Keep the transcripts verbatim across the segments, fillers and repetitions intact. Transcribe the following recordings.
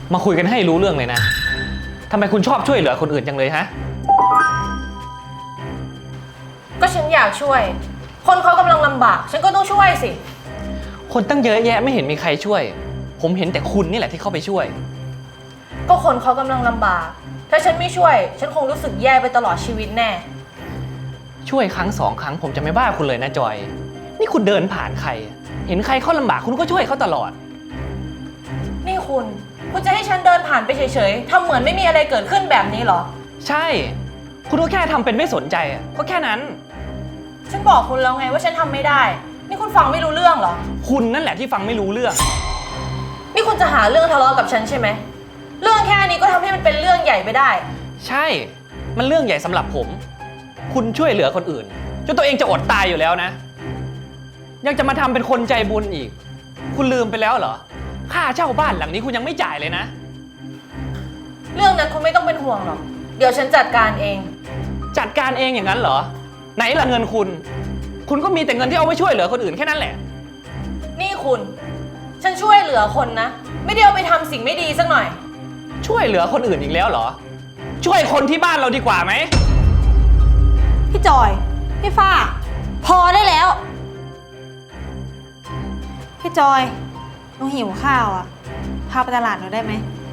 มาคุยกันให้รู้เรื่องเลยนะทำไมคุณชอบช่วยเหลือคนอื่นจังเลยฮะก็ฉันอยากช่วย คนเขากำลังลำบากฉันก็ต้องช่วยสิคนตั้งเยอะแยะไม่เห็นมีใครช่วยผมเห็นแต่คุณนี่แหละที่เข้าไปช่วยก็คนเขากำลังลำบากถ้าฉันไม่ช่วยฉันคงรู้สึกแย่ไปตลอดชีวิตแน่ช่วยครั้งสองครั้งผมจะไม่ว่าคุณเลยนะจอยนี่คุณเดินผ่านใครเห็นใครเขาลำบากคุณก็ช่วยเขาตลอดนี่คุณคุณจะให้ฉันเดินผ่านไปเฉยๆทำเหมือนไม่มีอะไรเกิดขึ้นแบบนี้เหรอใช่คุณก็แค่ทำเป็นไม่สนใจก็แค่นั้นฉันบอกคุณแล้วไงว่าฉันทำไม่ได้นี่คุณฟังไม่รู้เรื่องเหรอคุณนั่นแหละที่ฟังไม่รู้เรื่องนี่คุณจะหาเรื่องทะเลาะกับฉันใช่ไหมเรื่องแค่นี้ก็ทำให้มันเป็นเรื่องใหญ่ไปได้ใช่มันเรื่องใหญ่สำหรับผมคุณช่วยเหลือคนอื่นจนตัวเองจะอดตายอยู่แล้วนะยังจะมาทำเป็นคนใจบุญอีกคุณลืมไปแล้วเหรอค่าเช่าบ้านหลังนี้คุณยังไม่จ่ายเลยนะเรื่องนั้นคุณไม่ต้องเป็นห่วงหรอกเดี๋ยวฉันจัดการเองจัดการเองอย่างนั้นเหรอไหนล่ะเงินคุณคุณก็มีแต่เงินที่เอาไว้ช่วยเหลือคนอื่นแค่นั้นแหละนี่คุณฉันช่วยเหลือคนนะไม่ได้เอาไปทำสิ่งไม่ดีสักหน่อยช่วยเหลือคนอื่นอีกแล้วเหรอช่วยคนที่บ้านเราดีกว่าไหมพี่จอยพี่ฟ้าพอได้แล้วพี่จอยหนูหิวข้าวอ่ะพาไปตลาดหน่อยได้ไหม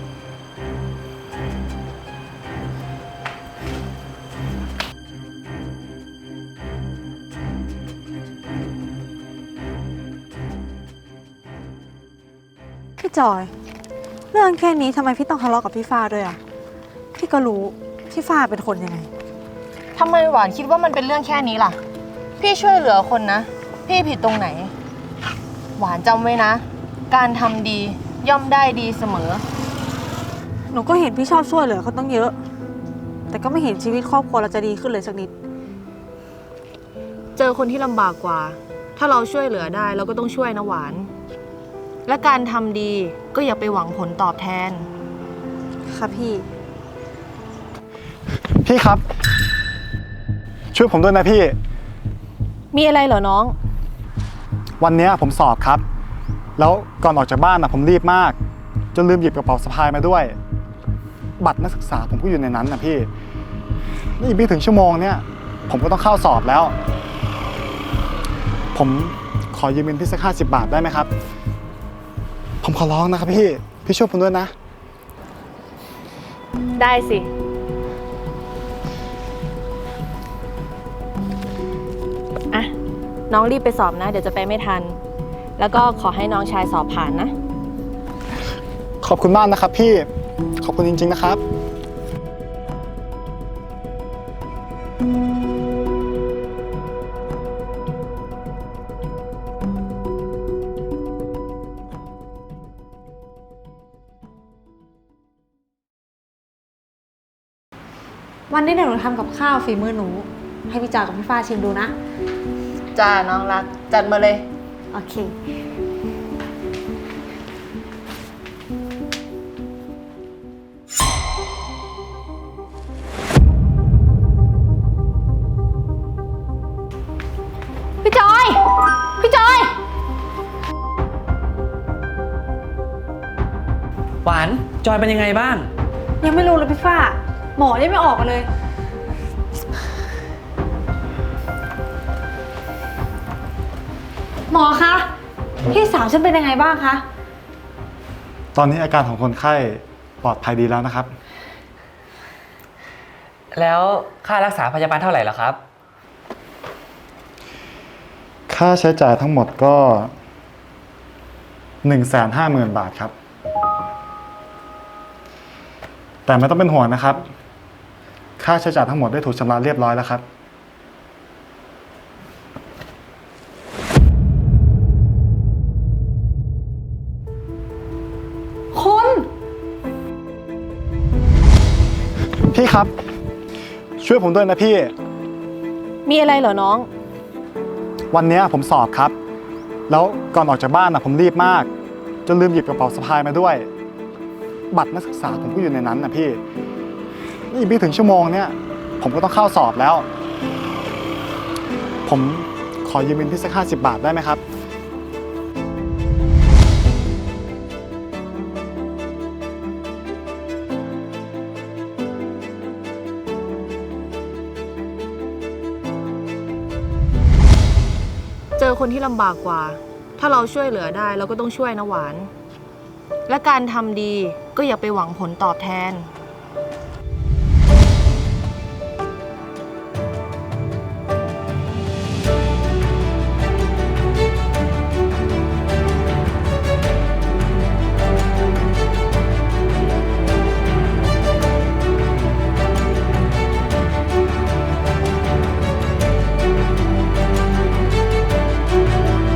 พี่จอยเรื่องแค่นี้ทำไมพี่ต้องทะเลาะกับพี่ฟ้าด้วยอ่ะพี่ก็รู้พี่ฟ้าเป็นคนยังไงทำไมหวานคิดว่ามันเป็นเรื่องแค่นี้ล่ะพี่ช่วยเหลือคนนะพี่ผิดตรงไหนหวานจำไว้นะการทำดีย่อมได้ดีเสมอหนูก็เห็นพี่ชอบช่วยเหลือเขาต้องเยอะแต่ก็ไม่เห็นชีวิตครอบครัวเราจะดีขึ้นเลยสักนิดเจอคนที่ลำบากกว่าถ้าเราช่วยเหลือได้เราก็ต้องช่วยนะหวานและการทำดีก็อย่าไปหวังผลตอบแทนค่ะพี่พี่ครับช่วยผมด้วยนะพี่มีอะไรเหรอน้องวันนี้ผมสอบครับแล้วก่อนออกจากบ้านนะผมรีบมากจนลืมหยิบกระเป๋าสะพายมาด้วยบัตรนักศึกษาผมก็อยู่ในนั้นนะพี่นี่อีกไม่ถึงชั่วโมงเนี่ยผมก็ต้องเข้าสอบแล้วผมขอยืมเงินพี่สักห้าสิบบาทได้ไหมครับผมขอร้องนะครับพี่พี่ช่วยผมด้วยนะได้สิอ่ะน้องรีบไปสอบนะเดี๋ยวจะไปไม่ทันแล้วก็ขอให้น้องชายสอบผ่านนะขอบคุณมากนะครับพี่ขอบคุณจริงๆนะครับวันนี้เดี๋ยวหนูทำกับข้าวฝีมือหนูให้พี่จอยกับพี่ฟ้าชิมดูนะจ้าน้องรักจัดมาเลยโอเคพี่จอยพี่จอยหวานจอยเป็นยังไงบ้างยังไม่รู้เลยพี่ฟ้าหมอยังไม่ออกมาเลยหมอคะพี่สาวฉันเป็นยังไงบ้างคะตอนนี้อาการของคนไข้ปลอดภัยดีแล้วนะครับแล้วค่ารักษาพยาบาลเท่าไหร่ล่ะครับค่าใช้จ่ายทั้งหมดก็หนึ่งแสนห้าหมื่นบาทครับแต่ไม่ต้องเป็นห่วงนะครับค่าใช้จ่ายทั้งหมดได้ถูกชำระเรียบร้อยแล้วครับคุณพี่ครับช่วยผมด้วยนะพี่มีอะไรเหรอน้องวันนี้ผมสอบครับแล้วก่อนออกจากบ้านนะผมรีบมากจนลืมหยิบกระเป๋าสะพายมาด้วยบัตรนักศึกษาผมก็อยู่ในนั้นนะพี่นี่อีกไม่ถึงชั่วโมงเนี่ยผมก็ต้องเข้าสอบแล้วผมขอยืมเงินพี่สักห้าสิบบาทได้ไหมครับพเจอคนที่ลำบากกว่า ถ้าเราช่วยเหลือได้เราก็ต้องช่วยนะหวาน และการทำดีก็อย่าไปหวังผลตอบแทน